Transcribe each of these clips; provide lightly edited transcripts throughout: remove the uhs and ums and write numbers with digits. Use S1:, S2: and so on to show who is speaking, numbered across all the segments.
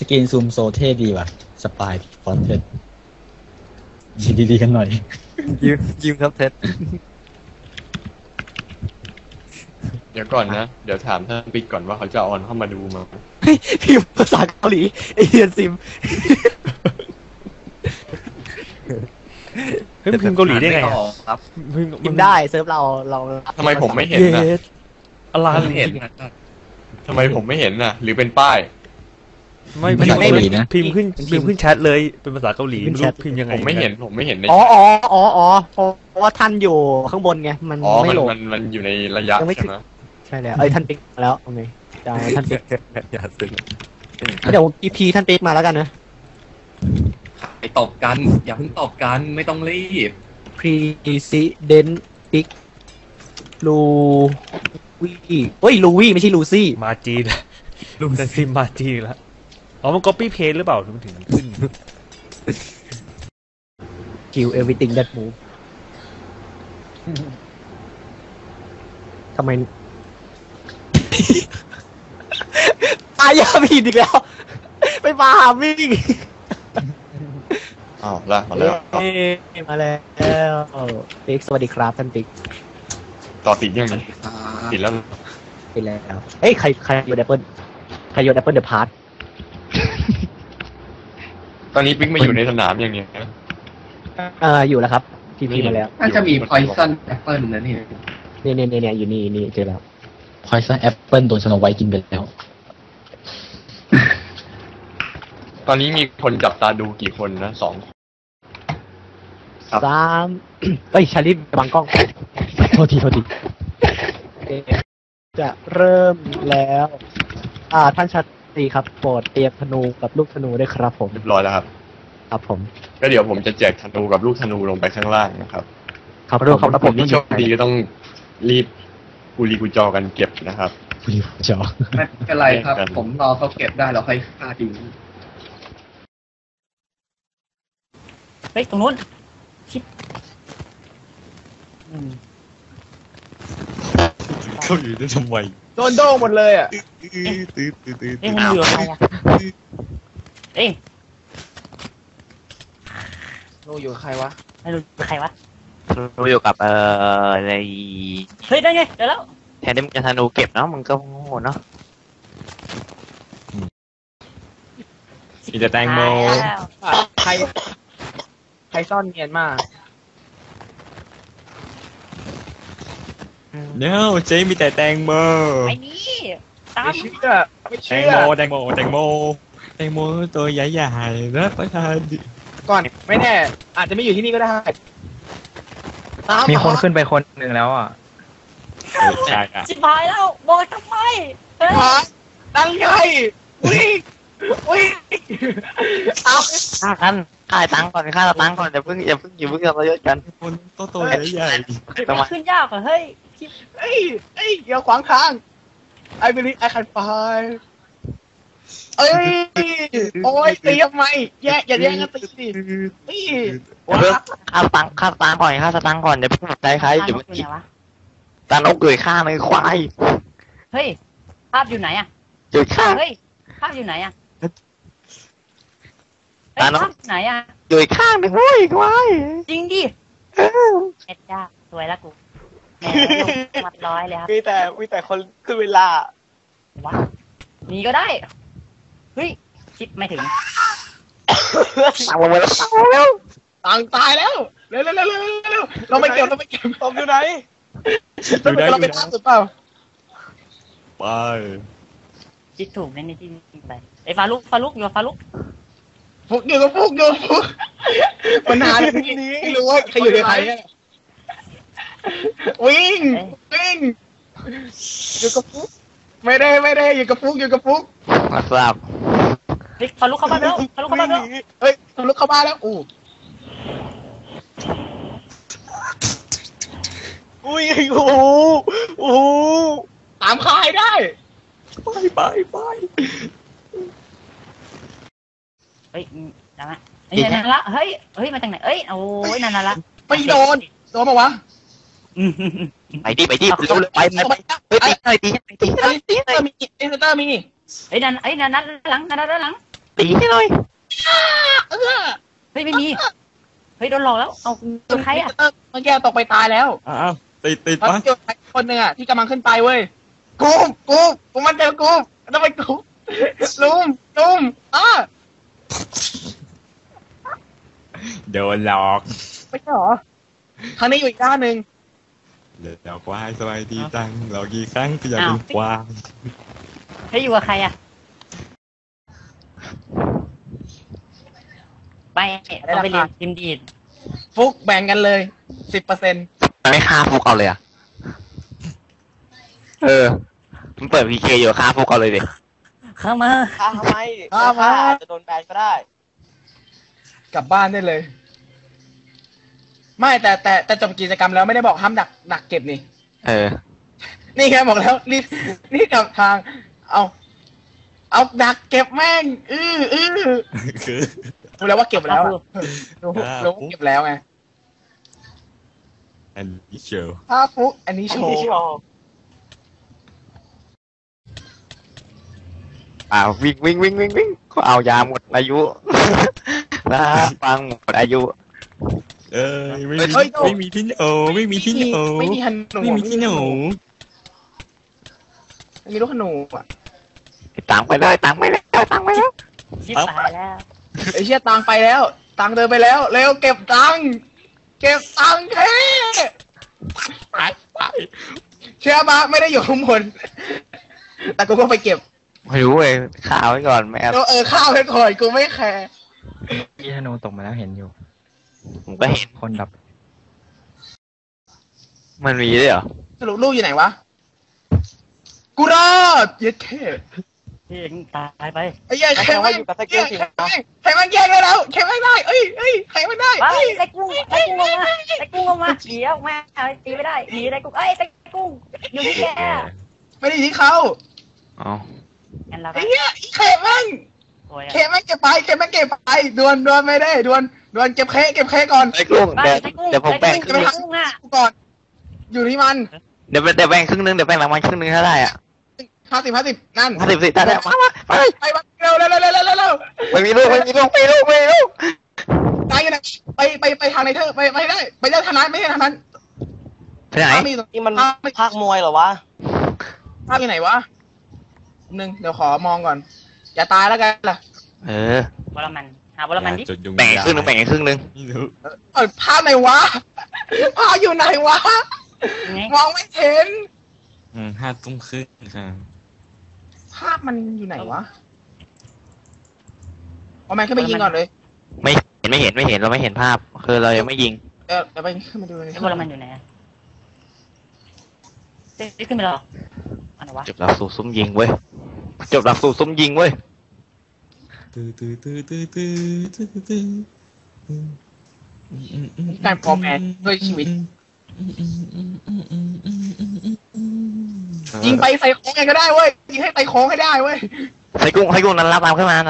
S1: กรีนซูมโซเท่ดีว่ะสปายฟอนเทสดีๆกันหน่อย
S2: ยืมครับเท็ด
S3: เดี๋ยวก่อนนะเดี๋ยวถามท่านปิ๊กก่อนว่าเขาจะออนเข้ามาดูมา
S2: พิมพ์ภาษาเกาหลีไอเฮียนซิมเฮ้ยพิมพ์เกาหลีได้ไงครับพิมพ์ได้เซิร์ฟเรา
S3: ทำไมผมไม่เห็นนะ
S2: อะไร
S3: เห็นทำไมผมไม่เห็นน่ะหรือเป็นป้าย
S2: ไม่พิมพ์ขึ้นแชทเลยเป็นภาษาเกาหลีไม่รู้พิมพ์ยังไง
S3: ผมไม่เห็นใน
S2: อ๋อเพราะว่าท่านอยู่ข้างบนไงมันไม่โหลด
S3: มันอยู่ในระยะใช่ไหม
S2: ใช่แล้วท่านปิ๊กมาแล้วโอเคจ้าท่านปิ๊กอย่าซึ้งเดี๋ยวEPท่านปิ๊กมาแล้วกันนะ
S4: ไปตบกันอย่าเพิ่งตบกันไม่ต้องรีบ
S2: President ปิ๊กลูวี่เฮ้ยลูวี่ไม่ใช่ลูซี่มาจีนลุงแต่ซิมมาจีนแล้วอ๋อมัน copy paste หรือเปล่าถึงขึ้น Kill everything that move ทำไมตายยาผิดอีกแล้วไปมาหาวิ่ง
S3: อ้าวมาแล้ว
S2: ปิ๊กสวัสดีครับท่านปิ๊ก
S3: ต่อติดยังไงติดแล้ว
S2: เฮ้ยใครโยนแอปเปิลเดอะพาร์ท
S3: ตอนนี้ปิ๊กมาอยู่ในสนามอย่างเงี้ย
S2: อยู่แล้วครับทีมาแล้ว
S4: น่าจะมี Poison Apple นะเนี่ย
S2: อยู่นี่เจอแล้ว
S1: Poison Apple โดนสโนไวท์กินไปแล้ว
S3: ตอนนี้มีคนจับตาดูกี่คนนะ2
S2: 3เฮ้ยชาลิฟบังกล้องโทษทีจะเริ่มแล้วท่านชาตรีครับโปรดเตรียมธนูกับลูกธนูด้วยครับผม
S3: เรียบร้อยแล้วครับ
S2: ผม
S3: ก็เดี๋ยวผมจะแจกธนูกับลูกธนูลงไปข้างล่างนะครับ
S2: ครับผม
S3: ที่โชคดีก็ต้องรีบกุลีกุจอกันเก็บนะครับ
S1: กุลีกุจอ
S4: ไม่เป็นไรครับผมรอเขาเก็บได้เราค่อยฆ่าจริง
S2: เฮ้ยตรงนู้น
S3: เขาอยู่ได้ทำไม
S2: โดนโด่งหมดเลยอ่ะ
S5: มันอยู่ใครอ่ะ
S2: โนอยู่ใครวะ
S5: ไม่รู้ใครวะ
S2: โนอยู่กับใน
S5: เฮ้ยได้ไงเดี๋ยวแล้ว
S2: แทนที่มึงจะธนูเก็บเนาะมึงก็โง่เนาะ
S3: มีแต่แตงโม
S2: ใครซ่อนเงียนมาก
S3: เนาะเจ๊มีแต่แตงโม
S5: ไอ้นี่ตาม
S3: ไม่เชื่อแตงโมตัวใหญ่ๆนะประธาน
S2: ก่อนไม่แน่อาจจะไม่อยู่ที่นี่ก็ได้มีคนขึ้นไปคนหนึ่งแล้วอ่ะ
S3: ใช่
S5: ชิบหายแล้วบอกทำไม
S2: ตั้งไงวิ่ง
S5: เอาฆ่ากันฆ่าตังก่อนฆ่าตังก่อนอย่าเพิ่งเราเยอะกัน
S3: คนโตใหญ่
S5: ทำไมขึ้นยากอ่ะเฮ้ย
S2: อย่าขวางทาง I believe I can fly โอ้ยตีทำไมอย่าแย่งกันตีดิ
S5: ฆ่าตังก่อนฆ่าตังก่อนอย่าเพิ่งใจใครอย่าเพิ่งตานกเกยฆ่าเลยควายเฮ้ยภาพอยู่ไหนอ่ะ
S2: อยู่ข้าง
S5: เฮ้ยภาพอยู่ไหนอ่ะภาพไหนอ่ะ
S2: อยู่ข้างหนึ่งเฮ้ยควาย
S5: จริงดิเอ็ดจ้าสวยละกูมัดร้อยเลยครับ
S2: มีแต่คนขึ้นเวลา
S5: ว้านี่ก็ได้เฮ้ยคิดไม่ถึง
S2: สั่งลงมาแล้วต่างตายแล้วเร็วเราไม่เก็บตบอยู่ไหนเราไปทางสุดเปล่า
S3: ไป
S5: คิดถูกในที่นี่ไปไอ้ฟาลุกอยู่ฟาลุก
S2: ฟุกปัญหาที่นี้ไม่รู้ว่าใครอยู่ในใครวิ่งอยู่กับฟุกไม่ได้อยู่กับฟุก
S5: มาทราบเฮ้ยฟาลุกเข้ามาแล้ว
S2: เฮ้ยฟาลุกเข้ามาแล้วอุ้ยโอ้ตามคายได้ไป
S5: เฮ้ยนั่นละนั่นละเฮ้ยมาจากไหนโอ้ยนั่นละ
S2: ไม่โดนมาวะ
S5: ไปดิเร็วไปตี
S2: เตอร์มี
S5: นั่นหลังตีให้หน่อย
S6: เฮ้ยไม่มีเฮ้ยโดนหลอกแล้วเอาใครอ่ะ
S7: เมื่อกี้ตกไปตายแล้ว
S3: อ้าวติด
S7: แล้ว
S3: ปะ
S7: เจอใครคนหนึ่งอ่ะที่กำลังขึ้นไปเว้ยกูมันเจอกูต้องไปกูลุม
S3: โดนหลอก
S7: ไม่ใช่หรอทางนี้อยู่อีกด้านหนึ่ง
S3: เดี๋ยวควายสบายดีจังหลอกกี่ครั้งก็อย่าเป็นควาย
S6: เฮ้ยอยู่กับใครอ่ะไปเราไปเรียนทีมดีด
S7: ฟุกแบ่งกันเลย 10%
S5: ไม่ฆ่าฟุกเอาเลยอะมันเปิดพีเคอยู่ฆ่าฟุกเอาเลยดิ
S6: เข้ามา
S8: ถ้าทำไมอาจจะโดนแบนก็ได้
S7: กลับบ้านได้เลย ไม่แต่จบกิจกรรมแล้วไม่ได้บอกห้ามดักเก็บนี่ นี่แค่บอกแล้วนี่กับทาง เอาดักเก็บแม่ง
S3: คือ
S7: รู้แล้วว่าเก็บแล้วอะรู้ว่าเก็บแล้วไง
S3: อันนี้เชล
S7: ถ้าฟุกอันนี้โชว์
S5: วิ่งเอายาหมดอายุนะฟังหมดอายุ
S3: ไม่มีที่โอไม่มีที่โอ
S7: ไม่มีฮันหนู
S3: ไม่มีที่หนู
S7: ไม่มีลูกขนูอ่ะ
S5: ตังไปแล้ว
S6: ชิบหายแล้ว
S7: ไอ้เชี่ยตังไปแล้วตังเดินไปแล้วเร็วเก็บตังแค่ไปเชื่อมาไม่ได้อยู่ข้างบนแต่กูก็ไปเก็บ
S5: ไม่รู้เลยข่าวไว้ก่อนแม่
S7: ข้าวไปก่อนกูไม่แคร์
S9: พี่ธนูตกมาแล้วเห็นอยู่
S5: ผมก็เห็น
S9: คนดับ
S5: มันมีด้วยเหรอ
S7: สรุปลูกอยู่ไหนวะกูรอดเย็ดแค่
S6: พี่ตายไป
S7: ไอ้ยัยใครมันแย่งแล้วใครไม่ได้เอ้ยใครไม่ได้
S6: ว้ายได้กุ้งลงมาเดี๋ยวแม่ตีไม่ได้หนีได้กุ้งได้กุ้งอยู่ที่แก
S7: ไม่ได้ที่เขา
S5: อ๋อ
S6: งั้นเรา
S7: ไอ้เหี้ยใครมัน
S6: โอ้ย
S7: เคมันเก็บไปดวนไม่ได้ดวนเก็บเคก่อน
S5: ไอ้กุ้งเดี๋ยวผมแบ่ง
S6: กุ้งอ่ะ
S7: ก่อนอยู่ที่มัน
S5: เดี๋ยวแบ่งครึ่งนึงเดี๋ยวแบ่งรางวัลครึ่งนึงเท่าไหร่อ่ะ
S7: 50นั่น
S5: 50สิได้ไป
S7: เร็ว
S5: ไม่มีลูก
S7: ตายอยู่ไหนไปทางไหนเธอไปได้ไปเรื่องทางนั้นไม่ใช่ทางนั้น
S5: ไปไหน
S8: นี่มันภาคมวยเหรอวะ
S7: ภาพอยู่ไหนวะนึงเดี๋ยวขอมองก่อนอย่าตายแล้วกันล่ะ
S6: วรมันหาวรมันดิ
S5: แบ่งครึ่งนึง
S3: ไม่รู้
S7: ภาพไหนวะภาพอยู่ไหนวะมองไม่เห็น
S3: 5 ทุ่มครึ่งค่ะ
S7: ภาพมันอยู่ไหนวะเอาแมนขึ้นไปยิงก่อนเลย
S5: ไม่เห็นเราไม่เห็นภาพคือเรายังไม่ยิง
S7: เดี๋ยวไปขึ้นมาดูเลย
S6: ไอ้วรมันอยู่ไหนได้ขึ้นไปหรออันไหนวะ
S5: จบหลักสูตรซุ่มยิงเว้ย
S7: การฟอร์แมนด้วยชีวิตยิงไปใส่โค้งไงก็ได้เว้ยยิงให้ไปโค้งให้ได้เว้ย
S5: ใส่กุ้งนันลาตามขึ้นมา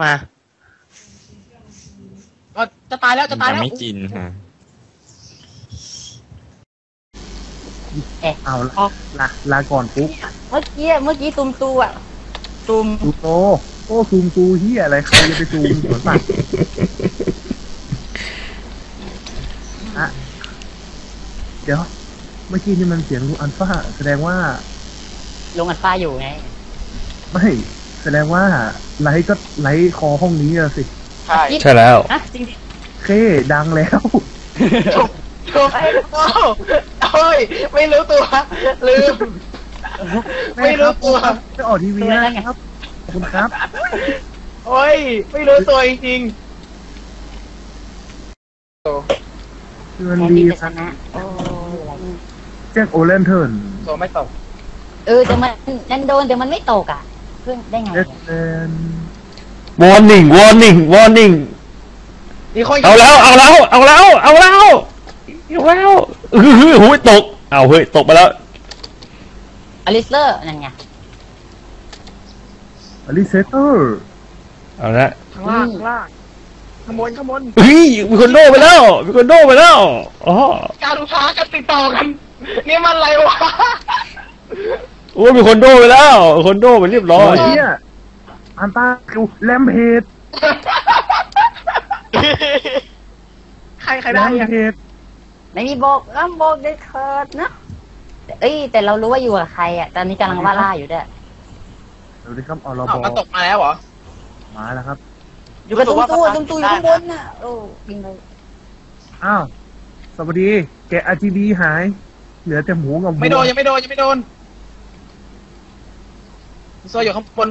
S7: จะตายแล้ว
S3: ยังไม่กินค่ะ
S9: เอาลาก่อนปุ๊บ
S6: เมื่อกี้ตุ่มตูอ่ะตุ่ม
S9: ตูโตโอ้ซูมตูเฮียอะไรใครจะไปซูมสวนสัตว์เดี๋ยวเมื่อกี้นี่มันเสียงลุงอัลฟาแสดงว่า
S6: ลงอันฟ้าอยู่ไง
S9: ไม่แสดงว่าไลท์ก็ไลท์คอห้องนี้อะสิ
S2: ใช่แล้ว
S6: ฮะจริงดิ
S9: เคดังแล้ว
S7: โอ้ยไม่รู้ตัวลืมไม่รู้ตัว
S9: จะออกทีวีนะครับขอบคุณครับ
S7: โอ้ยไม่รู้ตัวจริง
S9: มันดีนะแจ็คโอเลนเทิร์น
S7: ๆตัวไม่ตก
S6: แต่มันโดนแต่มันไม่ตกอ่ะเพื่อนได้ไง
S9: แจ็คเลน
S2: warning
S7: มีคน
S2: เอาแล้วหูยตกเอาเฮ้ยตกไปแล้ว
S6: อลิสเลอร์นั่นไง
S9: อลิเซเตอร์
S2: เอาละ
S7: ข้างล่างขโมย
S2: เฮ้ยมีคนโดไปแล้วอ๋อ
S7: การค้ากันติดต่อกันนี่มันอะไรวะ
S2: โอ้ยมีคนโดไปแล้วคนโดไปเรียบร้อย
S9: เนี่ยอันตาคิวแลมเพด
S7: ใครได้อะ
S9: เหตุ
S6: ไม่มีบอกบอกได้เถิดนะเอ้ยแต่เรารู้ว่าอยู่กับใครอ่ะตอนนี้กำลังว่าล่าอยู่ด้วย
S9: สวัสดีครับอรบ
S7: มันตกมาแล้วเหรอ
S9: มาแล้วครับ
S6: อยู่กับตุ้มตู้อยู่ข้างบนน่ะโอ้บินไป
S9: อ้าวสวัสดีแกะ RGB หาย เหลือแต่หมูกับวัว
S7: ไม่โดนยังไม่โดนโซอยู่ข้างบน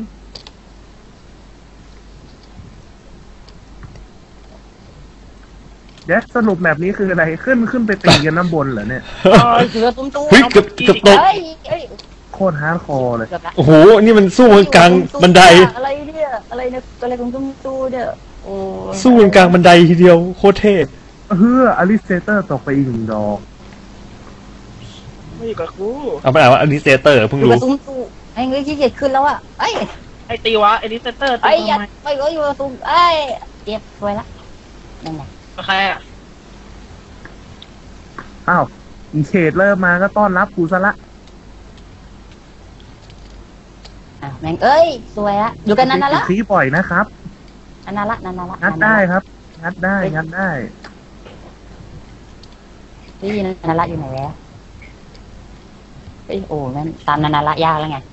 S9: เดี๋ยวสรุปแบบนี้คืออะไรขึ้นไปตีกันน้ำบนเหรอเนี่ย
S6: อยู่กับตุ้มตู้
S2: เฮ้ยเกือบตก
S6: เอ้ย
S9: โคตรฮาร์ดคอร์เลย
S6: เกือบละ
S2: โอ้โห นี่มันสู้กันกลางบันได
S6: อะไรเนี่ยอะไรของตุ้มตู้เนี่ยโอ้
S2: สู้กันกลางบันไดทีเดียวโคตรเท่
S9: อลิสเตเตอร์ตกไปอีก1 ดอก
S7: ไม่อยู่กับกู
S2: เอาไปอ่านว่าอันนี้เซเตอร์เพิ่ง
S6: อยู่
S2: รู้
S6: กับตุ้มตู้ไอ้เงยขี้เกียจขึ้นแล้วอ่ะไอ้
S7: ไอตีวะไอดิสเตอร์
S6: ไอ้ยัดไปก็อยู่กับตุ้มไอ้เจ็บสวยละนั่นแหละ
S7: ใครอ่ะ
S9: อ้าวอีเขตเริ่มมาก็ต้อนรับกูซะละ
S6: แม่งเอ้ยสวยละอยู่กันนานๆละ
S9: คลีปล่อยนะครับ
S6: นานๆละ
S9: งัดได้ครับ งัดได้
S6: พี่นานๆละอยู่ไหนแล้วเอ้ยโอ้นั่นตามนานๆละยากแล้วไง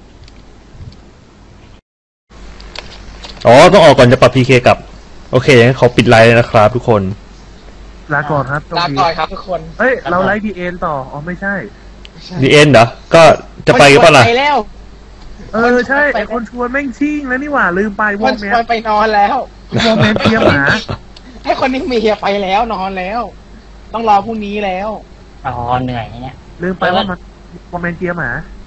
S2: อ๋อ ต้องออกก่อนจะปรับพีเคกลับ โอเคงั้นขอปิดไลน์เลยนะครับทุกคน
S9: ลาก่อนครับโชค
S7: ลา
S9: ดี
S7: ก่อนครับทุกคน
S9: เฮ้ย เราไลฟ์ดีเอ็นต่อ อ๋อ ไม่ใช่
S2: ดีเอ็นเหรอ ก็จะไปกันป่ะล่ะ
S7: ไปแล้ว
S9: ใช่ ไอคนชวนแม่งชิ่งแล้วนี่หว่า ลืมไปว
S7: คน
S9: งแม
S7: ชวน
S9: น
S7: ไปนอนแล้ว
S9: วงแมนเทียมหมา
S7: ให้คนนี้มีเฮียไปแล้วนอนแล้ว ต้องรอพรุ่งนี้แล้ว
S6: อ๋อเหนื่อยเนี่ย
S9: ลืมไปว่ามันวงแมนเทียมหมา